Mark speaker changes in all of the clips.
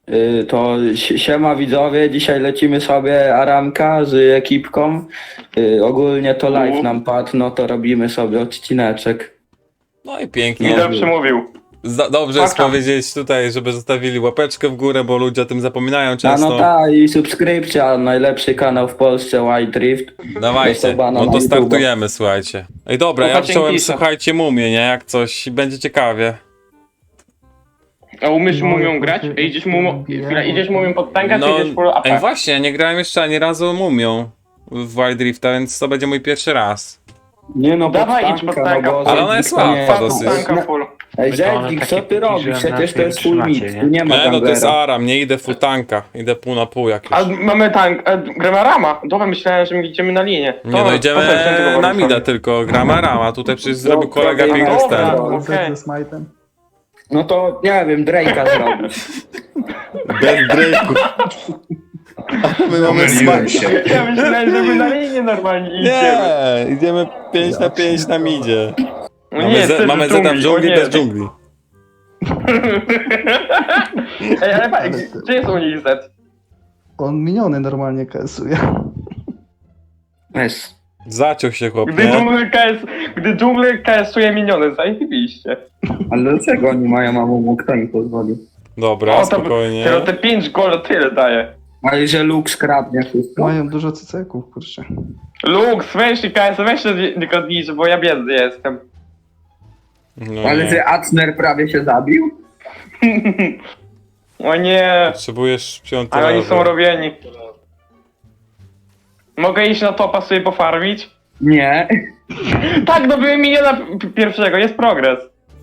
Speaker 1: To siema widzowie, dzisiaj lecimy sobie Aramka z ekipką. Ogólnie to live nam padł, no to robimy sobie odcineczek.
Speaker 2: No i pięknie.
Speaker 3: Midel przemówił.
Speaker 2: Dobrze jest
Speaker 3: Paka.
Speaker 2: powiedzieć tutaj, żeby zostawili łapeczkę w górę, bo ludzie o tym zapominają
Speaker 1: A
Speaker 2: często.
Speaker 1: no tak, i subskrypcja, najlepszy kanał w Polsce, White Drift.
Speaker 2: Dawajcie,
Speaker 1: Sobana
Speaker 2: no
Speaker 1: na
Speaker 2: to
Speaker 1: YouTube'a.
Speaker 2: startujemy, słuchajcie. Ej dobra, ja
Speaker 3: Słuchajcie
Speaker 2: wziąłem,
Speaker 3: Inkisa.
Speaker 2: słuchajcie, mumię, nie? Jak coś, będzie ciekawie.
Speaker 3: A umiesz mumią grać? Ej, idziesz mumią pod tanka, czy idziesz full AP?
Speaker 2: ej właśnie, ja nie grałem jeszcze ani razu mumią w Wild Rifta, więc to będzie mój pierwszy raz.
Speaker 1: Nie no,
Speaker 3: Dawaj,
Speaker 1: pod
Speaker 3: idź pod
Speaker 1: tanka,
Speaker 3: tanka.
Speaker 1: no bo
Speaker 2: Ale ona jest
Speaker 1: Zednik to nie
Speaker 2: łatwa
Speaker 1: jest-
Speaker 2: dosyć.
Speaker 3: Tanka full.
Speaker 1: Ej,
Speaker 4: My to one
Speaker 1: Zednik,
Speaker 4: takie
Speaker 1: co ty robisz?
Speaker 4: pikiże,
Speaker 1: Przecież to jest full
Speaker 4: trzymacie,
Speaker 1: mid,
Speaker 4: nie?
Speaker 1: tu nie ma
Speaker 2: Nie, no to jest
Speaker 1: ganglera.
Speaker 2: Aram, nie idę full tanka, idę pół na pół jak już.
Speaker 3: A mamy tank, gramy Rama. Dobra, myślałem, że my idziemy na linię.
Speaker 2: Nie no, idziemy
Speaker 3: tego
Speaker 2: na
Speaker 3: Warusa.
Speaker 2: mida tylko, gramy Arama, tutaj przecież zrobił
Speaker 1: Dobra,
Speaker 2: kolega piękny
Speaker 1: dobra.
Speaker 2: ster.
Speaker 3: Okej.
Speaker 5: Z Smite'em.
Speaker 1: No to nie wiem, Drake'a zrobić.
Speaker 2: Bez breaku. My mamy
Speaker 6: Pomyliłem się.
Speaker 3: Ja myślałem, że my na linię normalnie idziemy.
Speaker 2: Nie, idziemy 5 na 5 na midzie.
Speaker 3: No
Speaker 2: Mamy,
Speaker 3: nie, chcesz
Speaker 2: mamy Zeta w dżungli
Speaker 3: o nie.
Speaker 2: bez dżungli.
Speaker 3: Ej, ale gdzie jest u nich Z?
Speaker 5: On miniony normalnie kasuje.
Speaker 1: Jest.
Speaker 2: Zaciął się chłop,
Speaker 3: Gdy
Speaker 2: nie?
Speaker 3: dżunglę KS-uje miniony, zajebiście.
Speaker 1: Ale dlaczego oni mają mamu, kto im pozwolił?
Speaker 2: Dobra,
Speaker 3: O,
Speaker 2: spokojnie.
Speaker 3: te 5 gola tyle daje.
Speaker 1: Ale że Luke skradnie wszystko.
Speaker 5: Mają dużo cyceków, kurczę.
Speaker 3: Lux, weź i KS, weź się tylko zniszczy, bo ja biedny jestem.
Speaker 2: No
Speaker 1: Ale
Speaker 2: nie.
Speaker 1: że Acner prawie się zabił?
Speaker 3: O nie,
Speaker 2: Potrzebujesz 5
Speaker 3: ale oni są
Speaker 2: level.
Speaker 3: robieni. Mogę iść na topa sobie pofarmić?
Speaker 1: Nie.
Speaker 3: Tak, dobyłem miniona pierwszego, jest progres.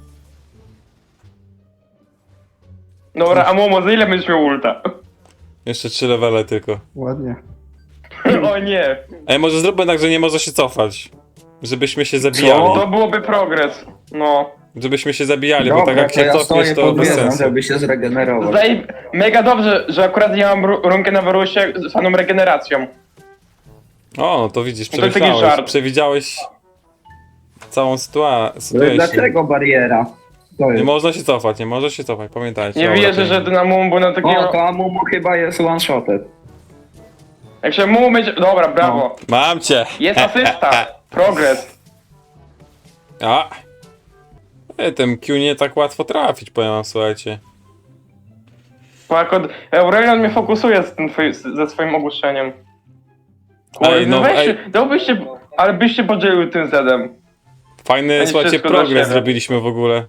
Speaker 3: Dobra, a Momo, za ile będziesz miał ulta?
Speaker 2: Jeszcze 3 levele tylko.
Speaker 5: Ładnie.
Speaker 3: O nie,
Speaker 2: Ej, może zróbmy tak, że nie może się cofać. Żebyśmy się zabijali.
Speaker 3: to byłoby progres. No.
Speaker 2: Żebyśmy się zabijali, bo
Speaker 1: Dobra,
Speaker 2: tak jak
Speaker 1: to
Speaker 2: się
Speaker 1: ja
Speaker 2: cofniesz,
Speaker 1: stoję
Speaker 2: to
Speaker 1: pod
Speaker 2: bez
Speaker 1: wieżą,
Speaker 2: sensu.
Speaker 1: żeby się zregenerować.
Speaker 3: Mega dobrze, że akurat ja mam runkę na Warusie z faną regeneracją.
Speaker 2: O, no to widzisz,
Speaker 3: To taki
Speaker 2: przemyślałeś,
Speaker 3: żart.
Speaker 2: przewidziałeś całą
Speaker 1: Ale
Speaker 2: sytuację.
Speaker 1: dlaczego bariera? To
Speaker 2: Nie
Speaker 1: jest.
Speaker 2: można się cofać, nie może się cofać, pamiętajcie.
Speaker 3: Nie
Speaker 2: Dobra,
Speaker 3: wierzę, że
Speaker 2: pięknie.
Speaker 3: ty na Mumu był na
Speaker 1: O,
Speaker 3: takiego...
Speaker 1: to Amumu chyba jest one-shoted.
Speaker 3: Jak się Mumu będzie... Dobra, brawo.
Speaker 2: Mam cię!
Speaker 3: Jest asysta. Progres.
Speaker 2: A! Ej, ten Q nie tak łatwo trafić, powiem wam, słuchajcie.
Speaker 3: Bo akurat Aurelion mnie fokusuje z tym ze swoim ogłoszeniem. Kurde,
Speaker 2: Ej, no,
Speaker 3: weź,
Speaker 2: ej.
Speaker 3: dałbyście... Ale byście podzielił tym Zedem.
Speaker 2: Fajny,
Speaker 3: Ani
Speaker 2: słuchajcie,
Speaker 3: wszystko dla
Speaker 2: progres
Speaker 3: siebie.
Speaker 2: zrobiliśmy w ogóle.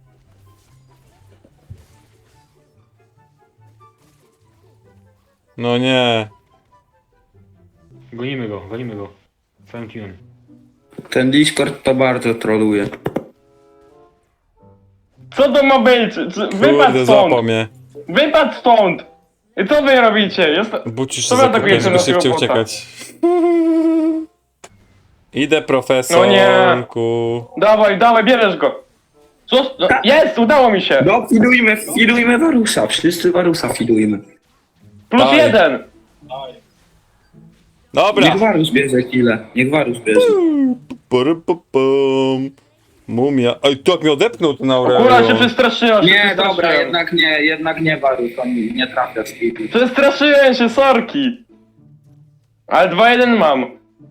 Speaker 2: No nie.
Speaker 4: Gonimy go, gonimy go. Całym teamem.
Speaker 1: Ten Discord to bardzo troluje.
Speaker 3: Co to ma być? Wypadł
Speaker 2: Kurde, złapał
Speaker 3: stąd!
Speaker 2: mnie.
Speaker 3: Wypadł stąd! I co wy robicie?
Speaker 2: Bucisz
Speaker 3: Co
Speaker 2: się
Speaker 3: wy
Speaker 2: zakopać,
Speaker 3: atakujecie
Speaker 2: żeby
Speaker 3: naszego
Speaker 2: szybciej
Speaker 3: bota?
Speaker 2: uciekać. Idę, profesorku.
Speaker 3: Dawaj, dawaj, bierzesz go! Co? No, jest! Udało mi się!
Speaker 1: No, fidujmy Warusa, wszyscy Warusa fidujmy.
Speaker 3: Plus
Speaker 2: Dawaj.
Speaker 3: 1!
Speaker 2: Dobra.
Speaker 1: Niech Warus bierze chwilę, niech Warus bierze.
Speaker 2: Pum. Mumia. Ej, to jak mnie odepnął ten
Speaker 3: Kula się
Speaker 2: Aurelio.
Speaker 3: przestraszyła, się
Speaker 1: Nie,
Speaker 3: przestraszyłem.
Speaker 1: dobra, jednak nie Warus, on nie trafia z kitu.
Speaker 3: Przestraszyłem się, sorki! Ale 2-1 mam.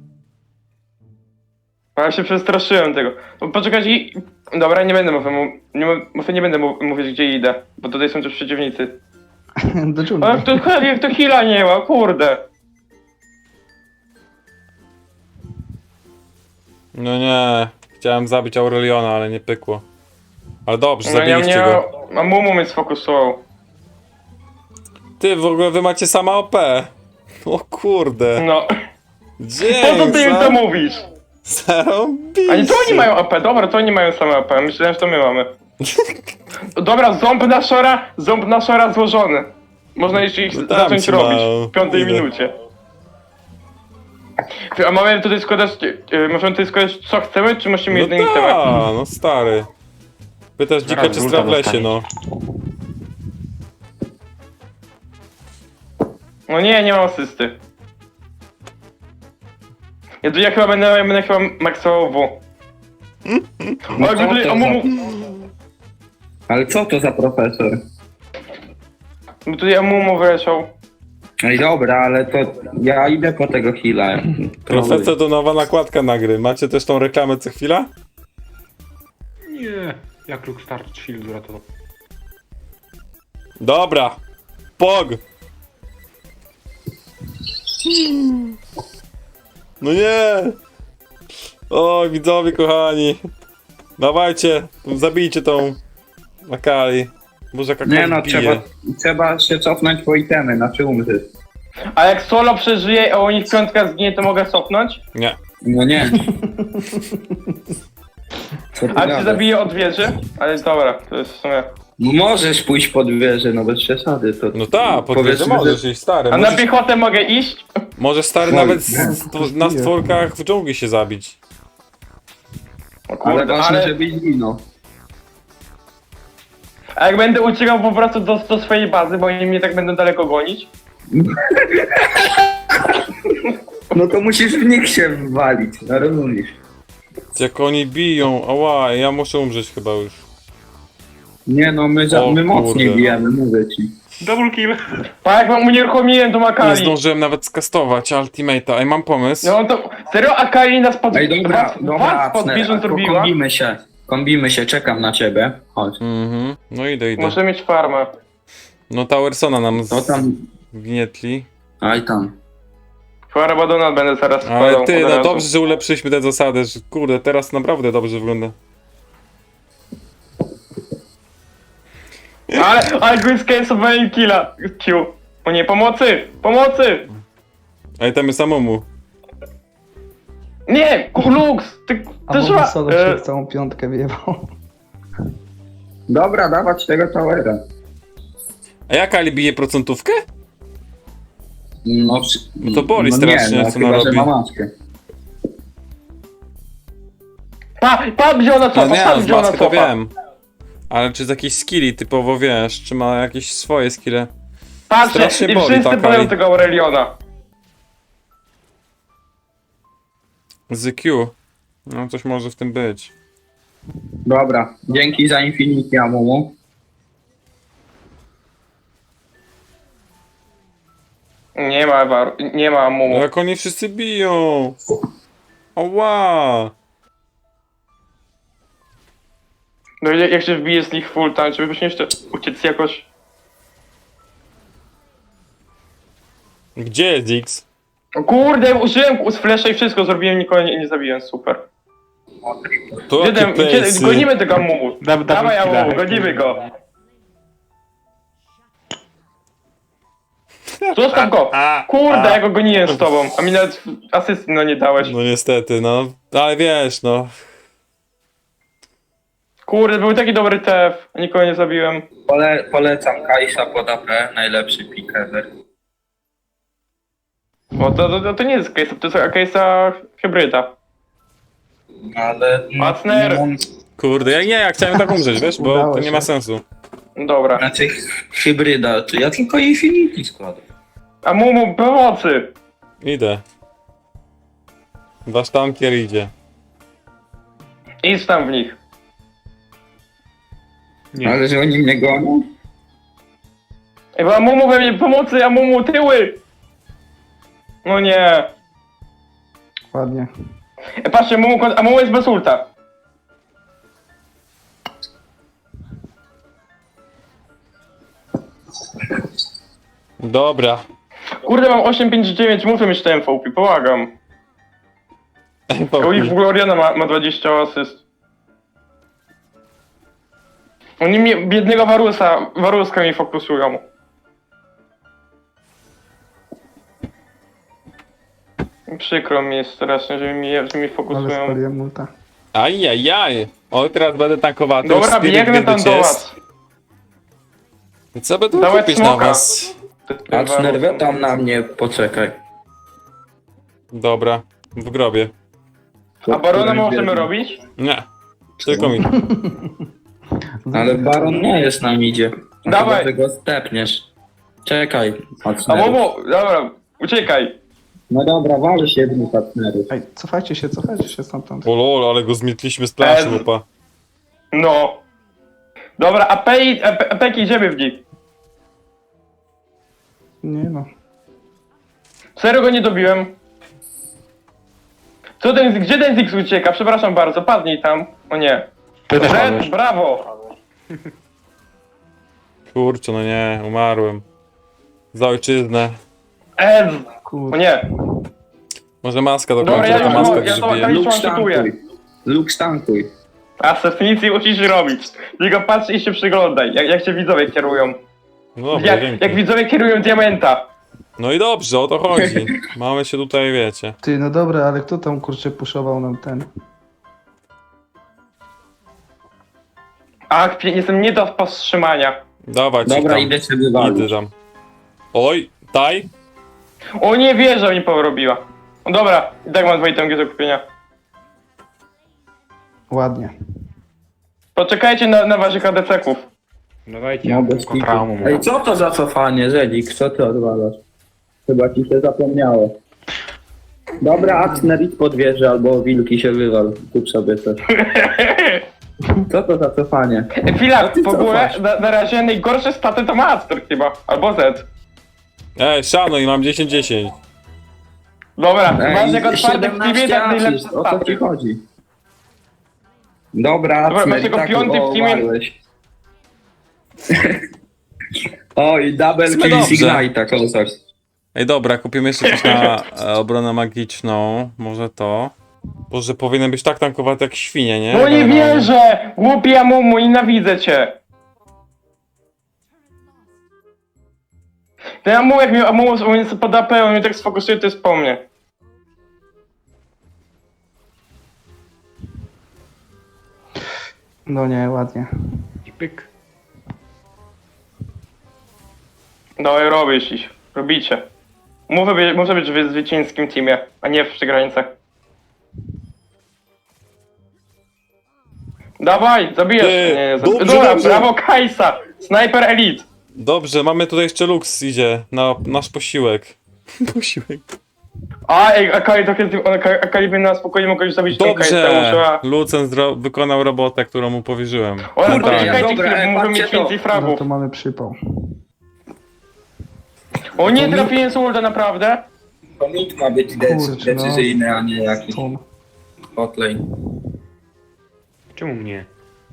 Speaker 3: Ale się przestraszyłem tego. No, poczekajcie i... Dobra, nie będę nie będę mówić gdzie idę, bo tutaj są też przeciwnicy.
Speaker 5: Do
Speaker 3: O,
Speaker 5: dżungli.
Speaker 3: jak to heala nie ma, kurde.
Speaker 2: No nie. Chciałem zabić Aureliona, ale nie pykło. Ale dobrze,
Speaker 3: No ja
Speaker 2: zabiliście
Speaker 3: mnie...
Speaker 2: go.
Speaker 3: A Mumu mnie sfokusował.
Speaker 2: Ty, w ogóle wy macie sama OP. O kurde.
Speaker 3: No.
Speaker 2: Dzień,
Speaker 3: Po co ty im to mówisz?
Speaker 2: Zarąbiście.
Speaker 3: A nie, to oni mają AP, dobra, to oni mają same AP, myślałem, że to my mamy. Dobra, ząb na szora złożony. Można jeszcze ich
Speaker 2: No tam
Speaker 3: zacząć
Speaker 2: ci
Speaker 3: robić
Speaker 2: mało.
Speaker 3: w 5
Speaker 2: Idę.
Speaker 3: minucie. Ty, a mamy tutaj składać, możemy tutaj składać co chcemy, czy musimy
Speaker 2: No
Speaker 3: jedynie temat?
Speaker 2: no stary. Pytasz dzika
Speaker 4: Zaraz
Speaker 2: czy
Speaker 4: ulta
Speaker 2: stra w lesie,
Speaker 4: dostanie.
Speaker 2: no.
Speaker 3: No nie mam asysty. Ja chyba będę chyba maksował W. Ale
Speaker 1: co
Speaker 3: tutaj,
Speaker 1: to
Speaker 3: a Mumu...
Speaker 1: Ale co to za profesor?
Speaker 3: Bo tu ja Mumu wyleciał.
Speaker 1: No i dobra, ale to ja idę po tego heala.
Speaker 2: Profesor to nowa nakładka na gry. Macie też tą reklamę co chwila?
Speaker 4: Nie. Jak Luke Start Shield uratował.
Speaker 2: Dobra. Pog! No nie! O, widzowie kochani. Dawajcie, zabijcie tą Akali. Boże, jaka
Speaker 1: Nie no,
Speaker 2: bije.
Speaker 1: trzeba się cofnąć po itemy, znaczy umrzeć.
Speaker 3: A jak solo przeżyje, a u nich piątka zginie, to mogę cofnąć?
Speaker 2: Nie.
Speaker 1: No nie. Co ty
Speaker 3: A cię
Speaker 1: gadasz?
Speaker 3: zabije od wieży? Ale dobra, to jest w sumie...
Speaker 1: No możesz pójść pod wieżę, no bez przesady. To
Speaker 2: No tak,
Speaker 1: powiedzmy,
Speaker 2: powiedzmy, możesz iść stary.
Speaker 3: A na
Speaker 2: Możesz,
Speaker 3: piechotę mogę iść?
Speaker 2: możesz stary
Speaker 1: Oj,
Speaker 2: nawet
Speaker 5: nie,
Speaker 2: na
Speaker 5: bije.
Speaker 2: stworkach w dżungli się zabić.
Speaker 3: O
Speaker 1: Ale
Speaker 3: kurde,
Speaker 1: ważne,
Speaker 3: ale...
Speaker 1: żebyś zginął.
Speaker 3: A jak będę uciekał po prostu do swojej bazy, bo oni mnie tak będą daleko gonić?
Speaker 1: No to musisz w nich się walić, no rozumiesz.
Speaker 2: Jak oni biją, ała, ja muszę umrzeć chyba już.
Speaker 1: Nie no, my
Speaker 2: O
Speaker 1: mocniej
Speaker 2: kurde.
Speaker 1: bijemy, mówię ci.
Speaker 4: Double kill.
Speaker 3: Pa, jak mam unieruchomiłem tą
Speaker 2: Nie
Speaker 3: Akali.
Speaker 2: zdążyłem nawet skastować ultimate'a. Ej, mam pomysł.
Speaker 3: No to... Serio Akali nas pod...
Speaker 1: Ej, dobra,
Speaker 3: was pod wieżą
Speaker 1: Acner,
Speaker 3: zrobiła?
Speaker 1: kombimy się, czekam na ciebie. Chodź.
Speaker 2: Mhm, no idę.
Speaker 3: Muszę mieć farmę.
Speaker 2: No Towersona nam
Speaker 1: No tam,
Speaker 2: zgnietli.
Speaker 1: aj tam.
Speaker 3: Farę Badona będę zaraz składał.
Speaker 2: Ale ty,
Speaker 3: od
Speaker 2: no
Speaker 3: razu.
Speaker 2: dobrze, że ulepszyliśmy te zasady, że kurde, teraz naprawdę dobrze wygląda.
Speaker 3: Ale go skasowałem killa. Q. O nie, pomocy! Pomocy!
Speaker 2: Ej, tam jest samomu.
Speaker 3: Nie! Lux! Ty
Speaker 5: A
Speaker 3: też
Speaker 5: bo solo się w całą piątkę wyjebał.
Speaker 1: Dobra, dawać tego towera.
Speaker 2: A jak Ali bije procentówkę?
Speaker 1: No,
Speaker 2: Bo to boli strasznie, co
Speaker 1: chyba,
Speaker 2: ona
Speaker 1: że
Speaker 2: robi.
Speaker 1: ma maskę.
Speaker 3: Pa wziął na
Speaker 2: No
Speaker 3: cofa,
Speaker 2: nie,
Speaker 3: pa
Speaker 2: z
Speaker 3: wziął na
Speaker 2: maski to
Speaker 3: cofa.
Speaker 2: wiem. Ale czy z jakiejś skilli typowo wiesz, czy ma jakieś swoje skille?
Speaker 3: Patrzcie,
Speaker 2: Strasznie
Speaker 3: i
Speaker 2: boli
Speaker 3: wszyscy
Speaker 2: ta
Speaker 3: boją
Speaker 2: Akali.
Speaker 3: tego Aureliona.
Speaker 2: Z Q. No coś może w tym być.
Speaker 1: Dobra, dzięki za Infinity Amumu.
Speaker 3: Nie ma
Speaker 2: No
Speaker 3: mumu.
Speaker 2: jak oni wszyscy biją! Oła!
Speaker 3: No jak się wbije z nich full time, żebyśmy jeszcze uciec jakoś...
Speaker 2: Gdzie jest X?
Speaker 3: O kurde, użyłem z flasha i wszystko zrobiłem, nikogo nie zabiłem, super.
Speaker 2: To
Speaker 3: Gdzie
Speaker 2: jakie place'y?
Speaker 3: gonimy tego mumu.
Speaker 4: Double
Speaker 3: Dawaj
Speaker 4: killa.
Speaker 3: Amumu, gonimy go. Zostaw go! Kurde, ja go goniłem z tobą, a mi nawet asysty no nie dałeś.
Speaker 2: No niestety, no. Ale wiesz, no.
Speaker 3: Kurde, był taki dobry TF, a nikogo nie zabiłem.
Speaker 1: Polecam Kajsa pod AP, najlepszy pick ever.
Speaker 3: Bo to nie jest case, to jest case'a hybryda.
Speaker 1: Ale...
Speaker 3: Acner!
Speaker 1: no,
Speaker 2: Kurde, ja chciałem tak umrzeć, wiesz, bo
Speaker 5: Udało
Speaker 2: to nie
Speaker 5: się.
Speaker 2: ma sensu.
Speaker 3: Dobra.
Speaker 1: Znaczy hybryda, to ja tylko Infinity składam.
Speaker 3: A Mumu, pomocy!
Speaker 2: Idę. Wasz tankier idzie.
Speaker 3: Idź tam w nich.
Speaker 4: Nie.
Speaker 1: Ale że oni mnie gonią?
Speaker 3: Ej, bo Amumu we mnie pomocy, Amumu tyły! No nie.
Speaker 5: Ładnie.
Speaker 3: Ej, patrzcie, Amumu jest bez ulta.
Speaker 2: Dobra.
Speaker 3: Kurde, mam 859, muszę mieć te MVP, pomagam. U nich w ogóle Oriana ma 20 asyst. Oni mnie, biednego Waruska mi fokusują. Przykro mi jest strasznie, że mi
Speaker 5: Ale
Speaker 3: fokusują.
Speaker 5: spaliłem multa.
Speaker 2: Ajajaj. O, teraz będę tankowaty.
Speaker 3: Dobra,
Speaker 2: Spirit
Speaker 3: biegnę tam
Speaker 2: Wieldycie
Speaker 3: do
Speaker 2: jest.
Speaker 3: was.
Speaker 2: I co będę
Speaker 3: Dawaj
Speaker 2: kupić na
Speaker 3: smoka.
Speaker 2: was?
Speaker 1: Acner, tam na mnie, poczekaj.
Speaker 2: Dobra, w grobie.
Speaker 3: A Barona możemy robić?
Speaker 2: Nie. Tylko mi.
Speaker 1: Ale Baron nie jest na midzie.
Speaker 3: Dawaj.
Speaker 1: Chyba, że go stepniesz. Czekaj,
Speaker 3: A
Speaker 1: Acner.
Speaker 3: Momo, dobra, uciekaj.
Speaker 1: No dobra, wal się dwóch Acnerów.
Speaker 5: Ej, cofajcie się stamtąd.
Speaker 2: O lol, ale go zmietliśmy z planszy,
Speaker 3: Ez.
Speaker 2: łupa.
Speaker 3: No. Dobra, a Peki idziemy w nich.
Speaker 5: Nie no.
Speaker 3: Serio go nie dobiłem. Co ten, gdzie ten Ziggs ucieka? Przepraszam bardzo, padnij tam. O nie.
Speaker 4: Ty też
Speaker 3: Red,
Speaker 4: padłeś.
Speaker 3: brawo!
Speaker 2: Kurczę, no nie, umarłem. Za ojczyznę.
Speaker 3: Ez! O
Speaker 5: Kurde.
Speaker 3: nie.
Speaker 2: Może maska do
Speaker 3: Dobra,
Speaker 2: końca,
Speaker 3: ja
Speaker 2: ta
Speaker 3: już
Speaker 2: maska
Speaker 3: mam- ja to-
Speaker 2: grzbie.
Speaker 3: ja-
Speaker 1: Luke
Speaker 3: stankuję.
Speaker 1: stankuj. Luke stankuj.
Speaker 3: Asef, nic nie musisz robić. Tylko patrz i się przyglądaj, jak się widzowie kierują.
Speaker 2: No dobra, dzięki.
Speaker 3: Jak widzowie kierują diamenta.
Speaker 2: No i dobrze, o to chodzi. Mamy się tutaj, wiecie.
Speaker 5: Ty, no dobra, ale kto tam kurczę puszował nam ten?
Speaker 3: Ach, jestem nie do powstrzymania.
Speaker 2: Dawać ich
Speaker 1: Dobra,
Speaker 2: tam.
Speaker 1: idę się wywalić.
Speaker 2: Idę tam. Oj, taj.
Speaker 3: O nie wierzę, mi porobiła. No dobra, i tak mam 2 itemki do kupienia.
Speaker 5: Ładnie.
Speaker 3: Poczekajcie na waszych ADC-ków.
Speaker 4: Dawajcie,
Speaker 1: No,
Speaker 4: ja
Speaker 1: bez
Speaker 4: tylko traumą.
Speaker 1: kitu. Ej, co to za cofanie, Zedik? Co ty odwalasz? Chyba ci się zapomniało. Dobra, Axner idź pod wieżę, albo wilki się wywal. Kup sobie coś. Co to za cofanie?
Speaker 3: Chwila,
Speaker 1: ty
Speaker 3: w ogóle
Speaker 1: cofasz?
Speaker 3: na razie najgorsze staty to ma Astor chyba, albo Z.
Speaker 2: Szanuj, mam 10-10.
Speaker 3: Dobra, masz jako czwarty w teamie,
Speaker 1: 17
Speaker 3: tak najlepsze
Speaker 1: asyst, o co ci
Speaker 3: staty.
Speaker 1: chodzi? Dobra,
Speaker 3: Dobra,
Speaker 1: Axner,
Speaker 3: masz
Speaker 1: i
Speaker 3: jako
Speaker 1: tak
Speaker 3: piąty w teamie.
Speaker 1: umarłeś. Oj, double
Speaker 2: W sumie
Speaker 1: kill
Speaker 2: dobrze.
Speaker 1: Ignite'a, kozak.
Speaker 2: Ej, dobra, kupimy jeszcze coś na obronę magiczną. Może to. Boże, powinien być tak tankowaty jak świnie, nie?
Speaker 3: No nie
Speaker 2: Generalnie.
Speaker 3: wierzę! Głupi Amumu, nienawidzę cię! Ten Amumu, jak mi Amumu jest pod AP, on mnie tak sfokusuje, to jest po mnie.
Speaker 5: No nie, ładnie.
Speaker 4: I pyk.
Speaker 3: Dawaj, robisz ich. Robicie. Muszę być w zwycięskim teamie, a nie w przegranicach. Dawaj, zabijesz
Speaker 2: Ty,
Speaker 3: mnie.
Speaker 2: dobrze,
Speaker 3: Dobra,
Speaker 2: dobrze.
Speaker 3: brawo Kajsa! Sniper Elite!
Speaker 2: Dobrze, mamy tutaj jeszcze Lux idzie na nasz posiłek. Posiłek.
Speaker 3: A, ej, Akali by na spokojnie mogła już zabić tą Kajsę,
Speaker 2: Dobrze!
Speaker 3: musiała...
Speaker 2: Lucen wykonał robotę, którą mu powierzyłem.
Speaker 3: Ona
Speaker 1: Dobra,
Speaker 3: poczekajcie
Speaker 1: dobra,
Speaker 3: chwilę, bo możemy
Speaker 1: patrzcie
Speaker 3: mieć
Speaker 1: to.
Speaker 3: więcej
Speaker 5: No
Speaker 3: fragów.
Speaker 5: to mamy przypał.
Speaker 3: O nie, trafiłem z ulta, naprawdę?
Speaker 1: To mit ma być
Speaker 5: Kurczę, no.
Speaker 1: decyzyjny, a nie jakiś
Speaker 5: Stun.
Speaker 1: hotlane.
Speaker 4: Czemu mnie?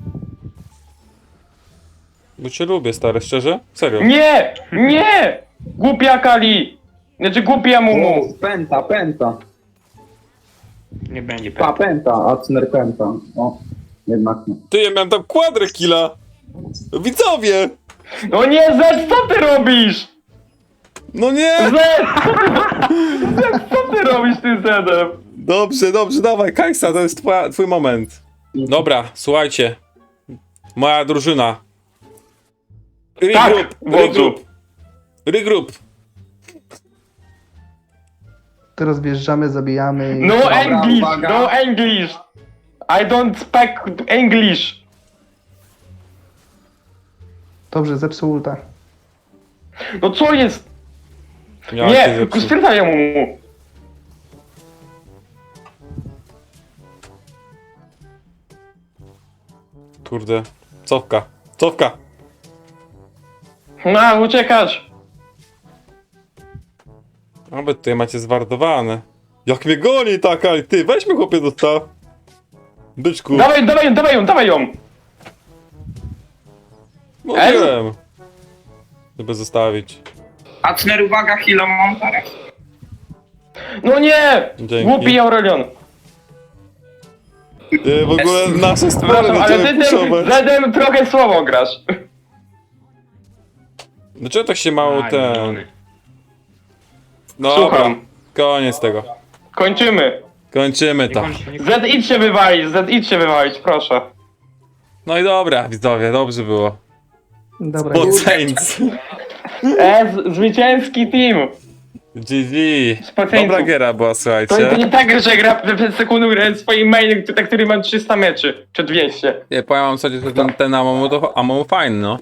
Speaker 2: Bo cię lubię, stary, szczerze? Serio.
Speaker 3: Nie! Nie! Głupi Akali! Znaczy głupi Amumu.
Speaker 1: O, penta.
Speaker 4: Nie będzie
Speaker 1: Pa, penta, Axner penta. O, jednak nie.
Speaker 2: Ty, ja miałem tam kwadrę killa! Widzowie!
Speaker 3: No nie, Zed, co ty robisz?
Speaker 2: No nie!
Speaker 3: Zed! Zed, co ty robisz tym Zedem?
Speaker 2: Dobrze, dawaj, Kajsa, to jest twój moment. Dobra, słuchajcie. Moja drużyna.
Speaker 3: Tak, wodzu.
Speaker 2: Regroup.
Speaker 5: Teraz wjeżdżamy, zabijamy i...
Speaker 3: No English,
Speaker 1: uwaga.
Speaker 3: no English. I don't speak English.
Speaker 5: Dobrze, zepsuł ulta.
Speaker 3: No co jest?
Speaker 2: Ja
Speaker 3: Nie,
Speaker 2: cię zepsuł.
Speaker 3: stwierdzaj Amumu.
Speaker 2: Kurde. Cofka.
Speaker 3: No, uciekać.
Speaker 2: Aby tutaj macie zwardowane. Jak mnie goni taka, ty, weźmy chłopie do sta. Byczku,
Speaker 3: Dawaj ją.
Speaker 2: mówiłem. Żeby zostawić.
Speaker 1: Axner, uwaga, chwilę mam teraz.
Speaker 3: No nie!
Speaker 2: Dzięki.
Speaker 3: Głupi Aurelion.
Speaker 2: Ty, w ogóle nasze spory
Speaker 3: Przepraszam,
Speaker 2: na
Speaker 3: ale
Speaker 2: ciebie
Speaker 3: ty tym
Speaker 2: puszować.
Speaker 3: Zedem trochę słabo grasz.
Speaker 2: Dlaczego tak się mało
Speaker 4: Aj,
Speaker 2: ten...
Speaker 4: zielony.
Speaker 2: Dobra,
Speaker 3: Słucham.
Speaker 2: koniec tego.
Speaker 3: Kończymy.
Speaker 2: Kończymy
Speaker 4: Nie
Speaker 2: to.
Speaker 4: kończcie, nie kończcie.
Speaker 3: Zed idź się wywalić, proszę.
Speaker 2: No i dobra, widzowie, dobrze było.
Speaker 5: Dobra,
Speaker 2: Pod
Speaker 5: już.
Speaker 2: Saints.
Speaker 3: Zwycięski team.
Speaker 2: GG.
Speaker 3: Spaceńców.
Speaker 2: Dobra giera była,
Speaker 3: To
Speaker 2: słuchajcie.
Speaker 3: nie tak, że gra przez sekundę grałem swoim mainem, na który mam 300 meczy, czy 200.
Speaker 2: Nie, powiem wam sobie, że ten Amomu fajny, no.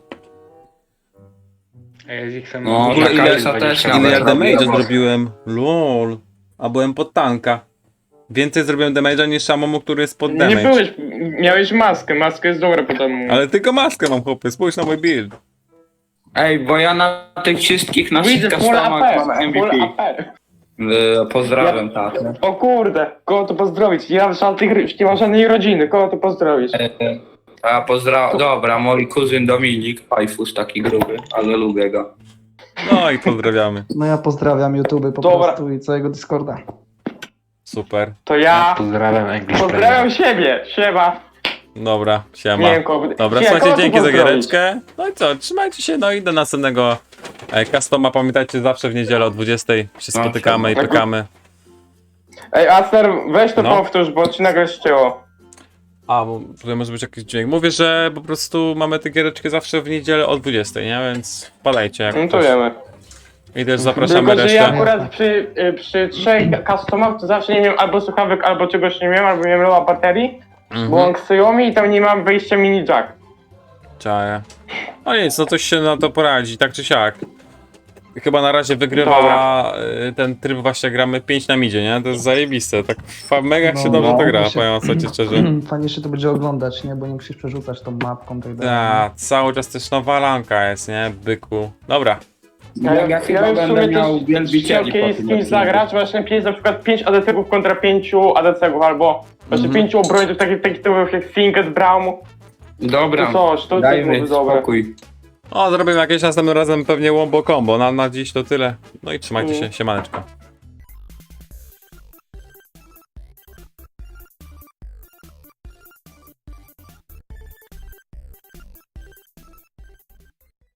Speaker 4: A ja z ich
Speaker 1: No,
Speaker 2: W ogóle
Speaker 1: taka
Speaker 2: ile-
Speaker 1: jest też
Speaker 2: Ile
Speaker 1: nawet
Speaker 2: ja
Speaker 1: robi
Speaker 2: damage'a
Speaker 1: robotę.
Speaker 2: zrobiłem? LOL. A byłem pod tanka. Więcej zrobiłem damage'a niż Amomu, który jest pod
Speaker 3: Nie
Speaker 2: damage.
Speaker 3: byłeś, miałeś maskę jest dobra potem.
Speaker 2: Ale tylko maskę mam, chłopie, spójrz na mój build.
Speaker 1: Ej, bo ja na tych wszystkich
Speaker 3: Widzę,
Speaker 1: naszych
Speaker 3: full
Speaker 1: customach
Speaker 3: AP,
Speaker 1: mam
Speaker 3: full
Speaker 1: MVP.
Speaker 3: AP.
Speaker 1: Pozdrawiam, tak.
Speaker 3: O kurde, kogo to pozdrowić? Ja nie mam żadnej rodziny, kogo to pozdrowić?
Speaker 1: A pozdrawiam. Dobra, mój kuzyn Dominik, Pajfus taki gruby, ale lubię go.
Speaker 2: No i pozdrawiamy.
Speaker 5: No ja pozdrawiam YouTube po
Speaker 3: Dobra.
Speaker 5: prostu i całego Discorda.
Speaker 2: Super.
Speaker 3: To ja
Speaker 4: Pozdrawiam English
Speaker 3: pozdrawiam siebie, siema.
Speaker 2: Dobra, siema.
Speaker 3: Nie wiem kogo.
Speaker 2: Dobra,
Speaker 3: Nie, kogo
Speaker 2: słuchajcie,
Speaker 3: tu
Speaker 2: dzięki za
Speaker 3: pozdrowić?
Speaker 2: giereczkę. No i co, trzymajcie się, no i do następnego customa. Pamiętajcie, zawsze w niedzielę o 20 się
Speaker 1: No,
Speaker 2: spotykamy i
Speaker 3: tak.
Speaker 2: pykamy.
Speaker 3: Ej, Aster, weź to
Speaker 2: No.
Speaker 3: powtórz, bo ci nagle ścięło.
Speaker 2: A, bo tutaj może być jakiś dźwięk. Mówię, że po prostu mamy tę giereczkę zawsze w niedzielę o 20, nie? Więc wpadajcie jak
Speaker 3: No to
Speaker 2: ktoś.
Speaker 3: wiemy.
Speaker 2: I też zapraszamy
Speaker 3: Tylko, że
Speaker 2: resztę.
Speaker 3: ja akurat przy 3 customach to zawsze nie miałem albo słuchawek, albo czegoś nie miałem, albo miałem loa baterii, bo on Xiaomi i tam nie mam wyjścia mini jack.
Speaker 2: Czaję. No nic, no coś się na to poradzi, tak czy siak. Chyba na razie wygrywa
Speaker 3: Dobra.
Speaker 2: ten tryb, właśnie gramy 5 na midzie, nie? To jest zajebiste, tak mega się dobrze
Speaker 5: no,
Speaker 2: to gra,
Speaker 5: mi się-
Speaker 2: powiem wam ci szczerze.
Speaker 5: Fajnie się to będzie oglądać, nie? Bo nie musisz przerzucać tą mapką i tak dalej.
Speaker 2: Ta, cały czas też nowa lanka jest, nie? Byku. Dobra.
Speaker 1: Ja chyba
Speaker 3: bym w
Speaker 1: będę
Speaker 3: sumie
Speaker 1: miał
Speaker 3: też
Speaker 1: wielbicieli
Speaker 3: chciał
Speaker 1: po
Speaker 3: kiedyś z
Speaker 1: tym
Speaker 3: kimś
Speaker 1: odcinku.
Speaker 3: zagrać, właśnie 5 na przykład 5 ADC-ów kontra 5 ADC-ów, albo właśnie 5 obrońców takich typów jak Sinket, Braum.
Speaker 1: Dobra,
Speaker 3: To coś, to
Speaker 1: dajmy
Speaker 3: byłoby dobre.
Speaker 1: spokój.
Speaker 2: O, zrobimy jakieś następnym razem pewnie łombo combo. Na dziś to tyle. No i trzymajcie się, siemaneczko.